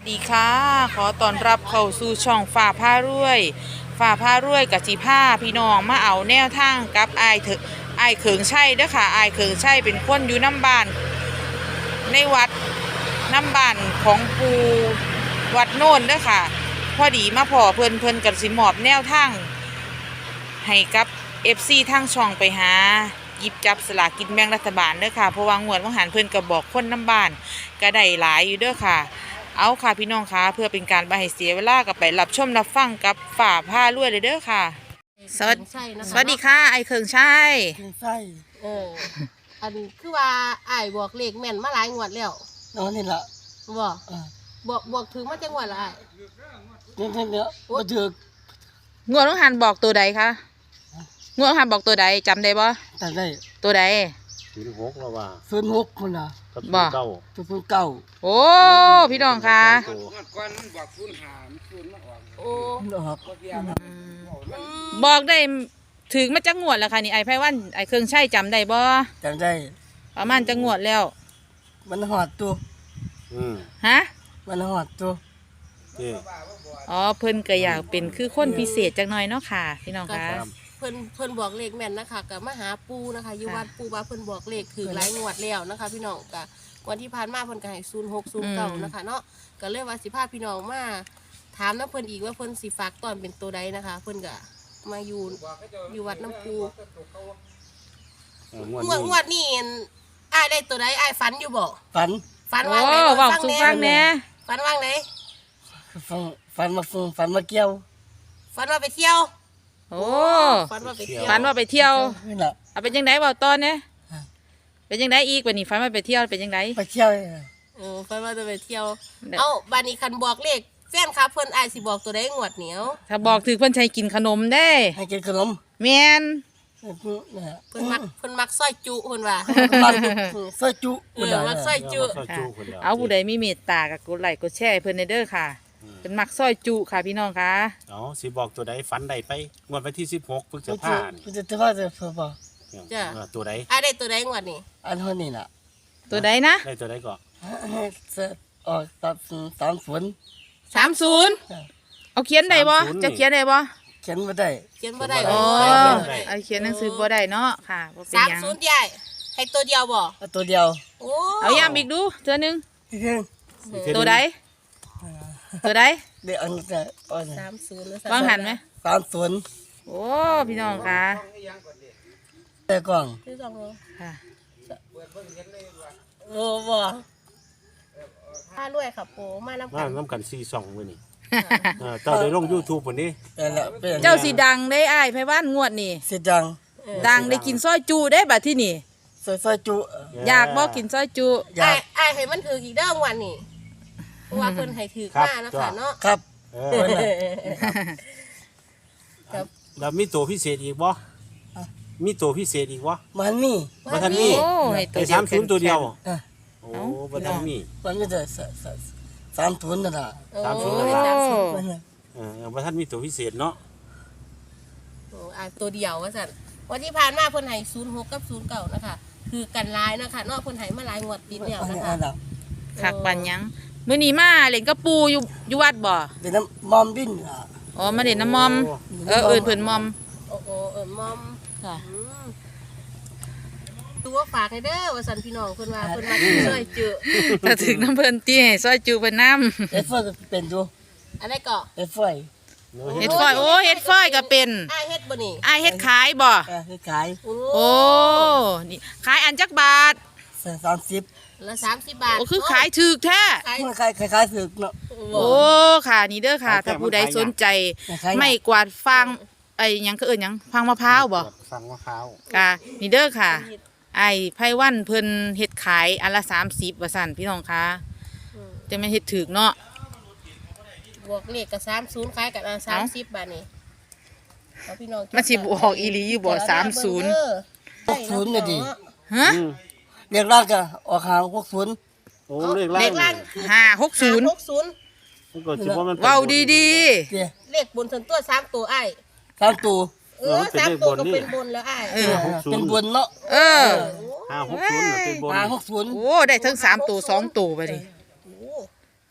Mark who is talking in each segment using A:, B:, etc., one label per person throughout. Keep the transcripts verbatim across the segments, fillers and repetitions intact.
A: ดีค่ะขอต้อนรับเข้าสู่ช่องฝ่าผ้ารวยฝ่าผ้ารวยกับจีผ้าพี่น้องมาเอาแนวทางกับไอายเถอะไอายเขิงใช่เด้อค่ะไอายเขิงใช่เป็นคนอยู่น้ำบ้านในวัดน้ำบ้านของปูวัดโน่นเด้อค่ะพอดีมาพอเพิ่นเพิ่นกับสิมอบแนวทางให้กับเอฟซีทางช่องไปหาหยิบจับสลากกินแบ่งรัฐบาลเด้อค่ะเพราะว่างวดว่างหันเพิ่นก็บอกคนน้ำบ้านก็ได้หลายอยู่เด้อค่ะเอาค่ะพี่น้องคะเพื่อเป็นการบ่ให้เสียเวลากับไปรับชมรับฟังกับฝ่าผ้ารวยเลยเด้อค่ะสวัสดีสวัสดีค่ะไอเคิงใช่
B: ใช่
C: เออ อันนี้คือว่าอ้ายบอกเลขแม่นมาหลายงวดแล้ว
B: นอนนี่ละ
C: บ่
B: อ่า
C: บอกบอกถึงมาจังหวัดละอ้าย
B: เนี่ยเนี่ยเนี่ยมาถือก
A: งวดว่างหันบอกตัวใดคะงวดว่างหันบอกตัวใดจำได้บ่
B: แต่ได้
A: ตัวใด
D: ศูนย์หกแล้วว่า
B: ศูนย์หกคนละ
D: กับ
A: บ่
D: ศูนย์เก้า
B: ตัวศูนย์เก้า
A: โอ้พี่น้องค่ะ
C: โอ้
B: ดอก
A: บอกได้ถึงมาจักงวดแล้วค่ะนี่ไอไพวันไอเคิงใช่จำได้บ่
B: จำได้
A: ประมาณจักงวดแล้ว
B: มันหอดตัว
D: อืม
A: ฮะ
B: มันหอดตัว
D: เจ้
A: อ๋อเพิ่นก็อยากเป็นคือคนพิเศษจักหน่อยเนาะค่ะพี่น้องค่ะ
C: เพิ่นเพิ่นบอกเลขแม่นนะคะกับมาหาปูนะคะอยู่วัดปูว่าเพิ่นบอกเลขถือหลายงวดแล้วนะคะ พี่น้องกะวันที่ผ่านมาเพิ่นก็ให้ศูนย์หกศูนย์เก้านะคะเนาะก็เลยว่าสิพาพี่น้องมาถามน้ำเพิ่นอีกว่าเพิ่นสิฝากตอนเป็นตัวใดนะคะ เพิ่นก็มาอยู่อยู่วัดน้ำปู
D: เอองวด
C: งวด
D: นี้
C: งวดนี่อ้ายได้ตัวใดอ้ายฝันอยู่บ่
B: ฝัน
C: ฝัน
A: โอ้
C: ว่างไหน
A: เว้า
C: ฟัง
A: สู่
C: แหน่
A: ฟังแหน่
C: ฝันว่างไหน
B: ฝันฝันมาฟงฝันมาเกี่ยว
C: ฝันว่าไปเที่ยว
A: โอ้
C: ฝันว่าไปเที่ยว
A: ฝันว่าไปเที่ยว
B: นี่แหละ
A: เอาเป็นยังไงบอกตอนเนี่ยเป็นยังไงอีกวันนี้ฝันว่าไปเที่ยวเป็นยังไง
B: ไปเที่ยว
C: เออฝันว่าจะไปเที่ยว
A: ได้
C: เอ้าบานี้คันบอกเลขแฟนครับเพิ่นอายสิบอกตัวได้งวดเหนียว
A: ถ้าบอกถือเพิ่นใช้กินขนมได้
B: ให้กินขนม
A: แมน
B: เนี่ย
C: เพิ่นมักเพิ่นมักซอยจุเพิ่นว่า
B: มันซอยจุ
C: เออมักซอยจุ
D: เามาซอยจูคนเดียว
A: เอาผู้ใดมีเมตตากับกดไลค์กดแชร์ให้เพิ่นในเด้อค่ะเป็นมักซอยจุค่ะพี่น้องค่ะ
D: เอาสิบอกตัวใดฝันใดไปงวดวันที่สิบหกพฤษ
B: มันจะ
D: ภาคม
B: มันจะจะว่าจะเพื่อบ่
C: จ้ะ
D: เออตัวใด
C: อายได้ตัวได้งวดนี่
B: อันเท่านี้น่ะ
A: ตัวใดนะ
D: ได้ตัวใดก่อน
B: ให้เสร็จออกตัดสามฝน
A: สามศูนย์เอาเขียนได้บ่จะเขียนได้บ่
B: เขียนมาได้
C: เขียนบ่ได้
A: อ๋อ
C: เออ
A: เอาเขียนหนังสือบ่ได้เนาะค่ะบ่เป็น
C: สาม
A: หยัง
C: ศูนย์ใหญ่ให้ตัวเดียวบ่
B: เอาตัวเดียว
C: โอ้
A: เอาย้ำอีกดูเทื่อนึง
B: เพียง
D: อีกเทื่อ
A: ตัวใดตัวใด
B: เดี๋ยวอันนี้จะเอาเนี่ย
C: สามศูนย์
A: วางหันไหม
B: สามฝน
A: โอ้พี่น้องค่ะ
B: แต่กล่อง
C: ที่สอง
A: ค่ะ
C: โอ้บ่ถ้ารวยครับโปมานำ
D: มา
C: กัน
D: น้ำกันซีสองมื้อนี้เออเจ้าได้ลง YouTube พุ่นนี้
B: แต่ละเป็น
A: เจ้าสีดังได้อ้ายไพวันงวดนี่
B: สิจัง
A: ดังได้กินซอยจูได้บัดที่นี่
B: ซอยซอยจุ
A: อยากบอกกินซอยจุ
B: อยา
C: อาก ยอายให้มันถืออีกเด้องวันนี่เพราะว่าเพิ่นให้ถือมานะคะเนาะ
B: ครับ
D: เออแล้วมีตัวพิเศษอีกบ่มีตัวพิเศษอีกบ่
B: มันมี
D: บ่ทันมี
A: โอ้ให้ตัว
D: ไอ้
A: เดียว
D: สามศูนย์ตัวเดียว
B: อ่ะ
D: โอ้บ่ทันมี
B: มันไม่ได้สะสะสามทุนนั่นน่ะ
D: สามศูนย์
A: โอ้
D: นั่นล่ะ
B: มันน่ะ
D: เออบ่ทันมีตัวพิเศษเนาะ
C: โอ้อ่าตัวเดียวว่าสั่นวันที่ผ่านมาเพิ่นให้ศูนย์หกกับศูนย์เก้านะคะ คือกันหลายนะคะเนาะเพิ่นให้มาหลายงวดติดแล้ว
B: อัน
C: นะ
B: นี้
C: คะ
B: อันน่ะ
A: คักปันหยังมื้อนี้มาเล่นกับปูอยู่อยู่วัดบ่
B: เป็นน้ำมอมดินอ่ะ
A: อ๋อมาเล่นน้ำมอม เออเอิ้นเพิ่นมอม
C: โอ้โหเออมอม
A: ค่ะ
C: อืมดูว่าฝากให้เด้อว่าสั่นพี่น้องเพิ่นว่าเพิ่นมาช่วยเจอ
A: ถ้าถึงน้ำเพิ่นตี้ให้ซอยจูเพิ่นนำ
B: เอฟเฟอร์ก็เป็นอยู่
C: อะไรก็
B: เอฟเฟอร์
A: เฮ็ดฟอยโอ้เฮ็ดฟอยก็เป็น
C: อ้ายเฮ็ดบ่นี่
A: อ้ายเฮ็ดขายบ่
B: อ่ะให้ขาย
C: โอ้
A: โอ้นี่ขายอันจักบาท
B: สามสิบ
C: ละสามสิบบาท
A: โอ้คือขายถูกแท้
C: ขาย
B: มันขายขายขายสึกเนาะ
A: โอ้ค่ะนี่เด้อค่ะ ถ้าผู้ใดสนใจ
B: ขาย
A: ไม่กวาดฟางไอ้หยังก็เอิ้นหยังฟางมะพร้าวบ่
D: ฟังมะพร้าว
A: ค่ะนี่เด้อค่ะ ไอ้ไพวันเพิ่นเฮ็ดขายอันละสามสิบว่าซั่นพี่น้องคะจะไม่นเฮ็ดถูกเนาะ
C: บวกเลขกับสามศูนย์ขายกันสามสิบบาทนี่เอาพี่น้อง
A: มันสิบออกอีหลีอยู่บ่สามศูนย์
B: หกศูนย์เนี่ยดี
A: ฮะ
D: อืม
B: เรียกร่างก็ออกหางหกศูนย์
D: โอ้เลขล่า
C: เล
D: ง
C: ขล่าง
A: ห้าหกศูนย์
C: หกศูนย์
D: มันก็สิว่ามันป็น
A: เว้าดี
B: เดีย
C: เลขบนส่วนตัวสามตัวอ้าย
B: สามตัว
C: เออสามตัวก็เป็นบนแล้วอ้าย
A: ๆเออ
B: เป็นบนเนาะ
A: เออ
D: ห้าหกศูนย์น่ะเป็นบน
B: หางหกศูนย์
A: โอ้ได้ทั้งสามตัวสองตัวไปดิ
C: โอ้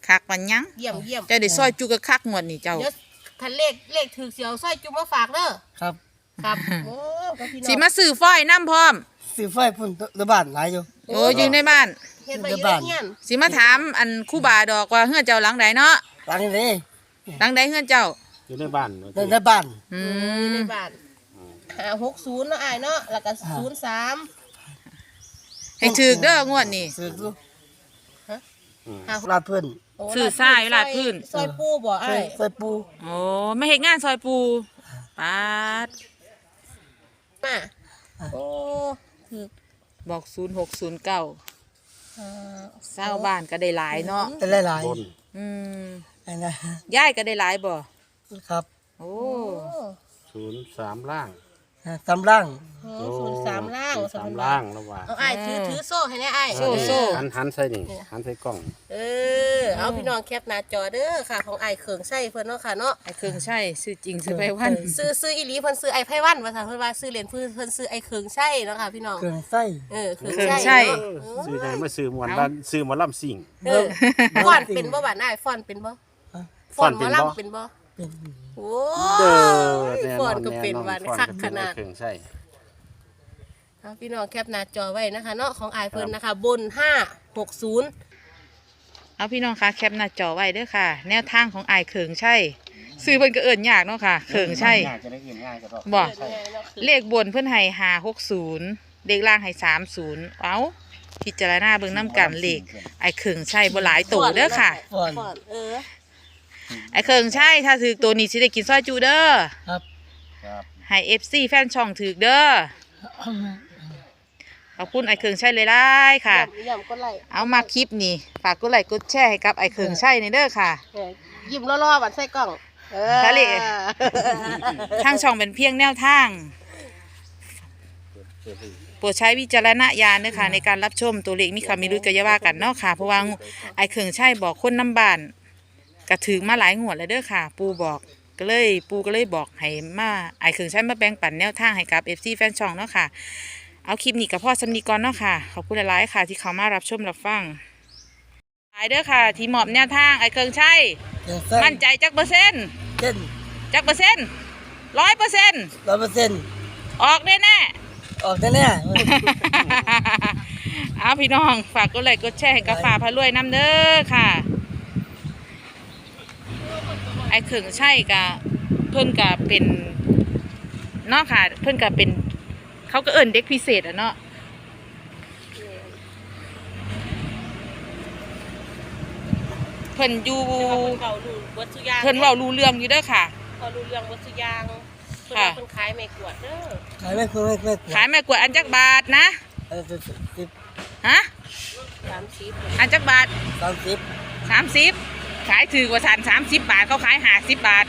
A: คักปันยัง
C: เยี่ยมเยี่ยม
A: เจ้าได้ซอยจุกกะคักงวดนี่เจ้า
C: เดี๋ยวคันเลขเลขถือเสียวสร้อยจุ๊บมาฝากเด้อ
B: ครับ
C: ครับโอ้ก็พี่น้อง
A: สิมาซื้อฝ้อยน้ำพร้อม
B: ซื้อไฟพุ่นในบ้านหลายอยู่
A: โอ้อยู่ในบ้าน
C: เฮ็ดไปอยู่ในเฮียน
A: สิมาถามอันครู่บาดอกว่าเฮือนเจ้าหลังใดเนาะ
B: หลังนี้
A: หลังใดเฮือนเจ้า
D: อยู่ในบ้าน
B: ในในบ้าน
A: อื
C: อยู่
A: ม
C: ในบ้านห้าหกศูนย์เนาะอ้ายเนาะแล้วก็ศูนย์สาม
A: ให้ถือเด้องวดนี่
B: ซื้อดู
C: ห้า
B: ลาดเพื่อน
C: โอ้
A: ซื้อทรายลาดพื้น
C: ซอยปูบ่
B: ใส่
C: อ้าย
B: ใส่ปู
A: โอ้ไม่เฮ็ดงานซอยปูปาด
C: มาโอ้ถือ
A: บอกศูนย์หกศูนย์เก้า
C: อ่า
A: เศร้าบ้านก็ได้หลายเนาะ
B: แต่หลาย
D: บน
A: อืม
B: ๆอันนะ
A: ยายก็ได้หลายบ่
B: ครับ
A: โอ้
C: โอ้
D: ศูนย์สามล่าง
B: ตำล่าง
C: โหศูนย์สามล่าง
D: ศูนย์
C: สา
D: สาม ม
C: ล่า
D: ล่าง งแล้วว่า
C: เอาอ้ายถือถือโซ่ให้แน่อ้าย
A: โซ่โซ่
D: หันหันใส่นี่หันใส่กล้อง
C: เออเอาพี่น้องแคปหน้าจอเด้อค่ะของอ้ายเขิงใส่เพิ่นเนาะค่ะเนาะ
A: ไอ้เครื่องใช้ซื้อจริงซื้อไปวัน
C: ซื้อซื้ออีหลีเพิ่นซื้อไอ้ไพวันว่าซั่นเพิ่นว่าซื้อเหรียญเพิ่นเพิ่นซื้อไอ้เขิงใช่เนาะค่ะพี่น้อง
B: เครื่องไส้
C: เออเขิง
A: เขิง
C: ใช่
A: ใช่
C: เนาะ
D: ซื้อไงมาซื้อหมวนบ้านซื้อหมอลำสิ่ง
C: เออฟอนเป็นบ่บาดอ้ายฟอนเป็นบ่ฟอนหมอลำเป็นบ่
B: เป็น
C: โอ้
D: เด้อแน่
C: ฟ
D: น
C: อ
D: อน น
C: ก็
D: แน่
C: เป็น
D: นอน
C: วัน
D: ฟอน
C: คัก
D: ก็
C: ข
D: เป็น
C: นาด
D: เครื่องใช้
C: เอาพี่น้องแคปหน้าจอไว้นะคะเนาะของอ้ายเพิ่นนะคะบนห้าหกศูนย์
A: เอาพี่น้องคะแคปหน้าจอไว้เด้อค่ะ แนวทางของอายเขิงใช่ซื้อเพิ่นก็เอิ้นยากเนาะค่ะเขิงใช่
D: ง่ายจะได้เงินง่ายก็ได้
A: บ่ เลขบนเพิ่นให้ห้าหกศูนย์เลขล่างให้สามศูนย์เอาพิจารณาเบิ่งน้ำกันเลขไอ้เขิงใช่บ่หลายตัวเด้อค่ะ
B: ฟอน
C: ฟอนเออ
A: ไอ้เขิงใช่ถ้าถือตัวนี้สิได้กินซอยจูเด้อ
B: ครับ
D: ครับ
A: ให้ เอฟ ซี แฟนช่องถือเด้อขอบคุณไอ้เขิงใช่เลยได้ค่ะ
C: ย่ำก็ไล่
A: เอามาคลิปนี้ฝากกดไลค์กดแชร์ให้กับไอ้เขิงใช่ในเด้อค่ะ
C: เออยิ้มล่อๆบัดใส่กล้องเออ
A: ทะเล ทางช่องเป็นเพียงแนวทางโปรดใช้วิจารณญาณเด้อค่ะในการรับชมตัวเลขมีคำมีรุ้กะอยาว่ากันเนาะค่ะเพราะว่าไอ้เขิงใช่บอกคนน้ำบ้านกระถึงมาหลายงวดแล้วเด้อค่ะ ปูบอกก็เลยปูก็เลยบอกให้มาไอ้เขิงใช่มาแบ่งปันแนวทางให้กับ เอฟ ซี แฟนช่องเนาะค่ะเอาคลิปนี้กับพ่อสำนีก่อนเนาะค่ะขอบคุณหลายๆค่ะที่เขามารับชมรับฟังหลายเด้อค่ะ ที่มอบแนวทางไอ้เขิงใช่
B: เครื่องไส้
A: มั่นใจจักเปอร์เซ็นต์
B: เส้น
A: จักเปอร์เซ็นต์ร้อยเปอร์เซ็นต์
B: ร้อยเปอร์เซ็นต์
A: ออกแน่แน่
B: ออกแน่
A: ๆ เอาพี่น้องฝากกดไลค์กดแชร์ให้กับฝาพารวยน้ำเด้อค่ะ ไอ้เขิงใช่กะเพิ่นกะเป็นเนาะค่ะ เพิ่นกะเป็นเขาก็เอิ้นเด็กพิเศษอะเนาะเพิ่นอยู่
C: เก่าดูวัตถุยาง
A: เพิ่นเว้ารู้เรื่องอยู่เด้อค่ะ
C: เขารู้เรื่องวัตถุยางเพิ่น
A: ค่ะ
C: ว่าเพิ่นขายไม่กวดเด้อ
B: ๆขายไม่คุ้มไม่ไม่
A: ขายแม่กวดอันจักบาทนะ
B: เออสิบสิบ
A: ฮะ
C: สามสิบ
A: อันจักบาท
B: สามสิบ
A: สามสิบขายถือกว่าสันสามสิบบาทเขาขายห้าสิบบาท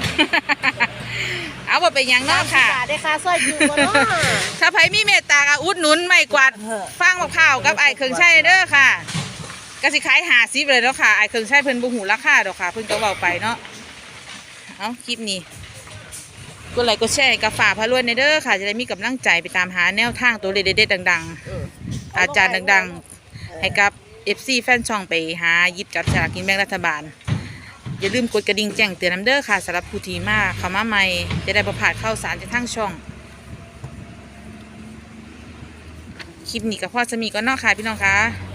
A: เอาว่าเป็นอย่างเนอกค่ะ
C: บาทได้ค่าสร้อยอยู่บ่เนาะ
A: ถ้าไผมีเมตตาก็อุดหนุนไม่กวาดฟังมะพร้าวกับไอ้เครื่องใช้เด้อค่ะก็สิขายห้าสิบเลยเนาะค่ะไอ้เครื่องใช้เพิ่นบ่หูราคาดอกค่ะ เพิ่นก็เว้าไปเนาะเอาคลิปนี้กดไลค์กดแชร์ให้กับฝาพารวยในเด้อค่ะ จะได้มีกำลังใจไปตามหาแนวทางตัวเลขเด็ดๆดัง
C: เออ
A: ๆ อาจารย์ดังๆ ให้กับ เอฟ ซี แฟนช่องไปหาหยิบจับฉลากกินแบ่งรัฐบาล อย่าลืมกดกระดิ่งแจ้งเตือนน้ำเด้อค่ะสำหรับผู้ที่มาเข้ามาใหม่จะได้ประพลาดข่าวสารจากทางช่อง คลิปนี้กับพ่อสมีก็นอกค่ะพี่น้องคะ